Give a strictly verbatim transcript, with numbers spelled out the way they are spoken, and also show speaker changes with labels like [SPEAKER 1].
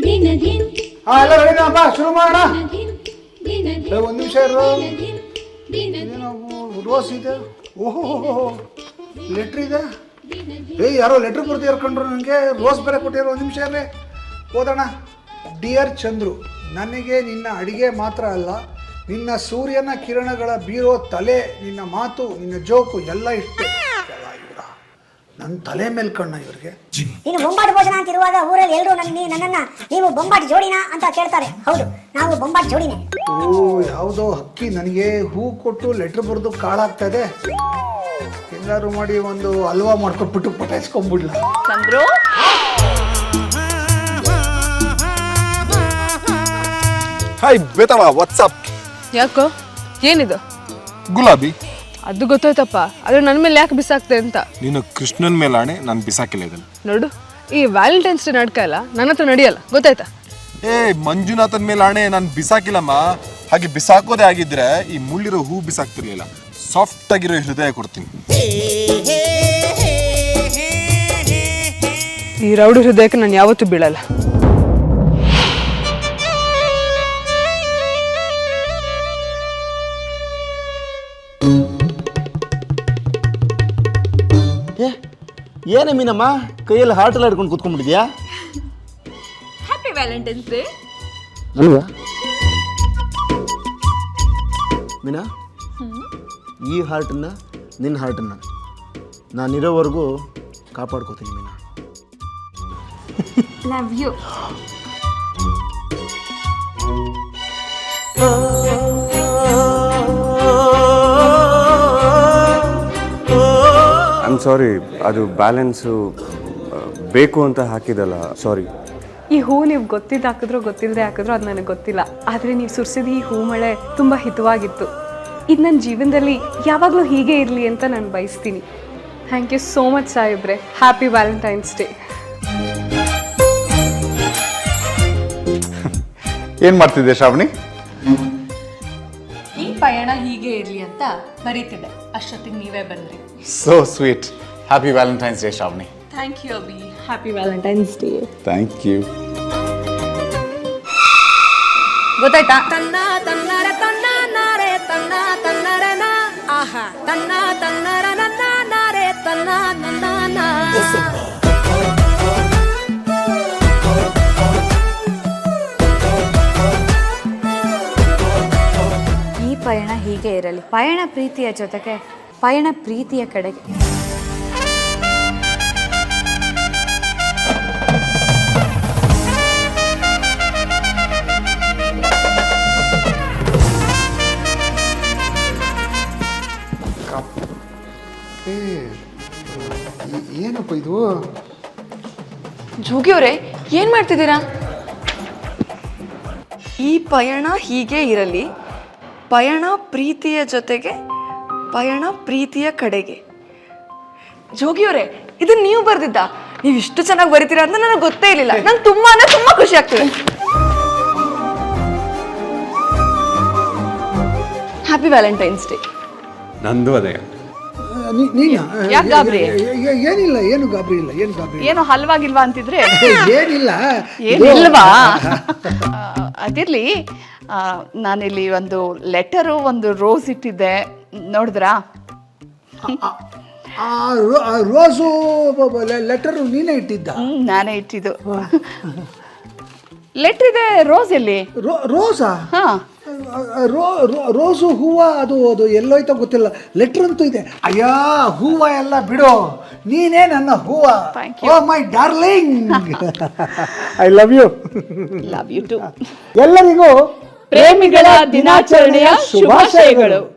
[SPEAKER 1] ಹಾ ಎಲ್ಲ ರೆಡಿನಪ್ಪ, ಶುರು ಮಾಡೋಣ. ಒಂದು ನಿಮಿಷ ಇರು. ರೋಸ್ ಇದೆ, ಓಹೋ ಲೆಟ್ರ್ ಇದೆ. ಏಯ್ ಯಾರೋ ಲೆಟ್ರ್ ಬರ್ತಿ ಕರ್ಕೊಂಡ್ರು ನನಗೆ, ರೋಸ್ ಬೇರೆ ಕೊಟ್ಟಿರೋ. ಒಂದು ನಿಮಿಷ ಇರಲಿ, ಓದೋಣ. ಡಿಯರ್ ಚಂದ್ರು, ನನಗೆ ನಿನ್ನ ಅಡಿಗೆ ಮಾತ್ರ ಅಲ್ಲ, ನಿನ್ನ ಸೂರ್ಯನ ಕಿರಣಗಳ ಬೀರೋ ತಲೆ, ನಿನ್ನ ಮಾತು, ನಿನ್ನ ಜೋಕು ಎಲ್ಲ ಇಷ್ಟೇ. ನನ್ನ ತಲೆ ಮೇಲೆ ಕಣ್ಣ ಇವ್ರಿಗೆ.
[SPEAKER 2] ನೀನು ಬೊಂಬಾಟ್ ಭೋಜನ ಅಂತ ಇರುವಾಗ ಊರಲ್ಲಿ ಎಲ್ಲರೂ ನನ್ನ ನನ್ನನ್ನ ನೀವು ಬೊಂಬಾಟ್ ಜೋಡಿನಾ ಅಂತ ಕೇಳ್ತಾರೆ. ಹೌದು, ನಾವು ಬೊಂಬಾಟ್ ಜೋಡಿನೇ.
[SPEAKER 1] ಓ, ಯಾವುದೋ ಹಕ್ಕಿ ನನಗೆ ಹೂ ಕೊಟ್ಟು ಲೆಟ್ರ್ ಬರೆದು ಕಾಳಾಗ್ತಾ ಇದೆ. ಎಲ್ಲರೂ ಮಾಡಿ ಒಂದು ಹಲ್ವಾ ಮಾಡ್ಕೊಟ್ಬಿಟ್ಟು ಪಟಾಯಿಸ್ಕೊಂಡ್ಬಿಡ್ಲ.
[SPEAKER 3] ಚಂದ್ರು,
[SPEAKER 4] ಹಾಯ್ ಬೇತವ, ವಾಟ್ಸಪ್.
[SPEAKER 3] ಯಾಕೋ, ಏನಿದು?
[SPEAKER 4] ಗುಲಾಬಿ.
[SPEAKER 3] ಅದು ಗೊತ್ತಾಯ್ತಪ್ಪ, ಆದ್ರೆ ನನ್ನ ಮೇಲೆ ಯಾಕೆ ಬಿಸಾಕ್ತೆ ಅಂತ.
[SPEAKER 4] ನೀನು ಕೃಷ್ಣನ್ ಮೇಲೆ ಆಣೆ, ನಾನು ಬಿಸಾಕಿಲ್ಲ ಇದನ್ನು.
[SPEAKER 3] ನೋಡು, ಈ ವ್ಯಾಲೆಂಟೈನ್ಸ್ ಡೇ ನಾಟಕ ಎಲ್ಲ ನನ್ನ ಹತ್ರ ನಡೆಯಲ್ಲ, ಗೊತ್ತಾಯ್ತಾ?
[SPEAKER 4] ಏ ಮಂಜುನಾಥನ್ ಮೇಲೆ ಆಣೆ, ನಾನು ಬಿಸಾಕಿಲ್ಲಮ್ಮ. ಹಾಗೆ ಬಿಸಾಕೋದೇ ಆಗಿದ್ರೆ ಈ ಮುಳ್ಳಿರೋ ಹೂ ಬಿಸಾಕ್ತಿರ್ಲಿಲ್ಲ, ಸಾಫ್ಟ್ ಆಗಿರೋ ಹೃದಯ ಕೊಡ್ತೀನಿ.
[SPEAKER 3] ಈ ರೌಡಿ ಹೃದಯಕ್ಕೆ ನಾನು ಯಾವತ್ತೂ ಬೀಳಲ್ಲ.
[SPEAKER 5] ಏನೇ ಮೀನಮ್ಮ, ಕೈಯಲ್ಲಿ ಹಾರ್ಟ್ ಎಲ್ಲ ಹಿಡ್ಕೊಂಡು ಕೂತ್ಕೊಂಡ್ಬಿಟ್ಟಿದ್ಯಾ?
[SPEAKER 3] ಹ್ಯಾಪಿ ವ್ಯಾಲೆಂಟೈನ್ಸ್ ಡೇ
[SPEAKER 5] ಅಲ್ವಾ ಮೀನಾ? ಈ ಹಾರ್ಟನ್ನ ನಿನ್ನ ಹಾರ್ಟನ್ನ ನಾನಿರೋವರೆಗೂ ಕಾಪಾಡ್ಕೋತೀನಿ Meena.
[SPEAKER 3] Love you.
[SPEAKER 6] I am sorry, ಅದು ಬ್ಯಾಲೆನ್ಸು ಬೇಕು ಅಂತ ಹಾಕಿದಲ್ಲ, ಸಾರಿ.
[SPEAKER 7] ಈ ಹೂ ನೀವು ಗೊತ್ತಿದ್ದು ಹಾಕಿದ್ರೋ ಗೊತ್ತಿಲ್ಲದೆ ಹಾಕಿದ್ರೋ ಅದು ನನಗೆ ಗೊತ್ತಿಲ್ಲ, ಆದರೆ ನೀವು ಸುರಿಸಿದ ಈ ಹೂ ಮಳೆ ತುಂಬ ಹಿತವಾಗಿತ್ತು. ಇದು ನನ್ನ ಜೀವನದಲ್ಲಿ ಯಾವಾಗಲೂ ಹೀಗೆ ಇರಲಿ ಅಂತ ನಾನು ಬಯಸ್ತೀನಿ. ಥ್ಯಾಂಕ್ ಯು ಸೋ ಮಚ್ ಸಾಯಿಬ್ರೆ. Happy valentine's day.
[SPEAKER 8] ಏನು ಮಾಡ್ತಿದ್ದೆ ಶ್ರಾವಣಿ?
[SPEAKER 9] ಈ ಪಯಣ ಹೀಗೆ ಇರಲಿ ಅಂತ ಬರೀತಿದ್ದೆ, ಅಷ್ಟೊತ್ತಿಗೆ ನೀವೇ ಬಂದ್ರಿ.
[SPEAKER 8] So sweet. Happy valentine's day Shravani.
[SPEAKER 9] Thank you Abhi.
[SPEAKER 7] Happy valentine's day.
[SPEAKER 8] Thank you.
[SPEAKER 9] ಗೊತ್ತಾಯ್ತಾ? ತನ್ನ ತನ್ನರ ತನ್ನ ನಾರೆ ತನ್ನ ತನ್ನರ ನಾ ಆಹಾ ತನ್ನ ತನ್ನರ ನನ್ನ ನಾರೆ ತನ್ನ ನನ್ನ ನಾ.
[SPEAKER 10] ಈ ಪಯಣ ಹೀಗೆ ಇರಲಿ, ಪಯಣ ಪ್ರೀತಿಯ ಜೊತೆಗೆ, ಪಯಣ ಪ್ರೀತಿಯ ಕಡೆಗೆ.
[SPEAKER 1] ಏನಪ್ಪ ಇದು?
[SPEAKER 3] ಜೋಗಿಯವರೇ, ಏನ್ ಮಾಡ್ತಿದ್ದೀರಾ? ಈ ಪಯಣ ಹೀಗೆ ಇರಲಿ, ಪಯಣ ಪ್ರೀತಿಯ ಜೊತೆಗೆ, ಪಯಣ ಪ್ರೀತಿಯ ಕಡೆಗೆ. ಜೋಗಿಯವರೇ, ಇದು ನೀವು ಬರ್ದಿದ್ದ? ನೀವು ಇಷ್ಟು ಚೆನ್ನಾಗಿ ಬರೀತೀರಾ ಅಂತ ನನಗೆ ಗೊತ್ತೇ ಇರಲಿಲ್ಲ. ನಂಗೆ ತುಂಬಾ ಅಂದ್ರೆ ತುಂಬಾ ಖುಷಿ ಆಗ್ತದೆ. Happy valentine's day.
[SPEAKER 6] ನಂದು ಅದೇ.
[SPEAKER 3] ಯಾಕೆ ಗಾಬರಿ?
[SPEAKER 1] ಏನಿಲ್ಲ, ಏನು ಗಾಬರಿ ಇಲ್ಲ, ಏನು ಗಾಬರಿ
[SPEAKER 3] ಏನು ಹಲ್ವಾಗಿಲ್ವಾ ಅಂತಿದ್ರೆ?
[SPEAKER 1] ಏನಿಲ್ಲ,
[SPEAKER 3] ಏನಿಲ್ವಾ? ಅದಿರ್ಲಿ, ನಾನಿಲ್ಲಿ ಒಂದು ಲೆಟರು, ಒಂದು ರೋಸ್ ಇಟ್ಟಿದ್ದೆ, ನೋಡಿದ್ರಾ?
[SPEAKER 1] ರೋಸು ಲೆಟರ್ ನೀನೇ ಇಟ್ಟಿದ್ದ?
[SPEAKER 3] ಹ್ಮ್, ನಾನೇ ಇಟ್ಟಿದ್ದು. ಲೆಟರ್ ಇದೆ, ರೋಸ್ ಎಲ್ಲಿ?
[SPEAKER 1] ರೋಸಾ? ಹಾ, ರೋಸು ಹೂವ ಅದು ಅದು ಎಲ್ಲೋಯ್ತೋ ಗೊತ್ತಿಲ್ಲ, ಲೆಟರ್ ಅಂತೂ ಇದೆ. ಅಯ್ಯಾ, ಹೂವ ಎಲ್ಲ ಬಿಡು, ನೀನೇ ನನ್ನ ಹೂವ. Oh my darling, I love you.
[SPEAKER 3] Love you too.
[SPEAKER 1] ಎಲ್ಲರಿಗೂ
[SPEAKER 3] ಪ್ರೇಮಿಗಳ ದಿನಾಚರಣೆಯ ಶುಭಾಶಯಗಳು.